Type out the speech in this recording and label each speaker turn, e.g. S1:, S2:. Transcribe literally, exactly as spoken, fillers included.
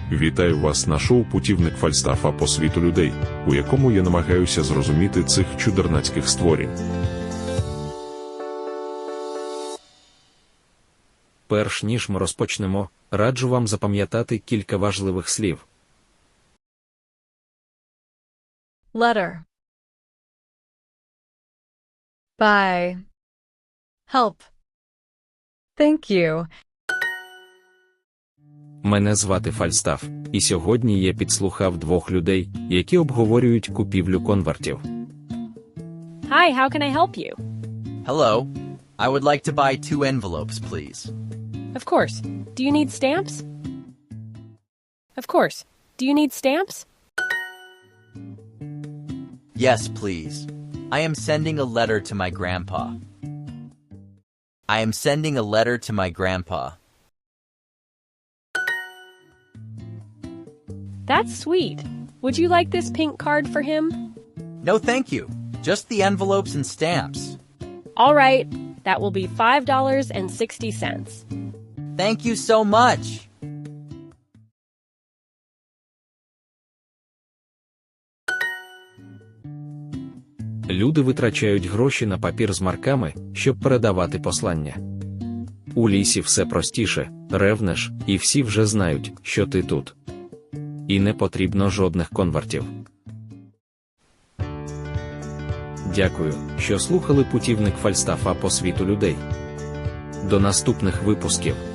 S1: Вітаю вас на шоу «Путівник Фальстафа по світу людей», у якому я намагаюся зрозуміти цих чудернацьких створінь.
S2: Перш ніж ми розпочнемо, раджу вам запам'ятати кілька важливих слів.
S3: Letter. Buy. Help. Thank you.
S2: Мене звати Фальстаф, і сьогодні я підслухав двох людей, які обговорюють купівлю конвертів.
S4: Hi, how can I help you?
S5: Hello. I would like to buy two envelopes, please.
S4: Of course. Do you need stamps? Of course. Do you need stamps?
S5: Yes, please. I am sending a letter to my grandpa. I am sending a letter to my grandpa.
S4: That's sweet. Would you like this pink card for him?
S5: No, thank you. Just the envelopes and stamps.
S4: All right. That will be five dollars and sixty cents.
S5: Thank you so much.
S2: Люди витрачають гроші на папір з марками, щоб передавати послання. У лісі все простіше, ревнеш, і всі вже знають, що ти тут. І не потрібно жодних конвертів. Дякую, що слухали «Путівник Фальстафа по світу людей». До наступних випусків.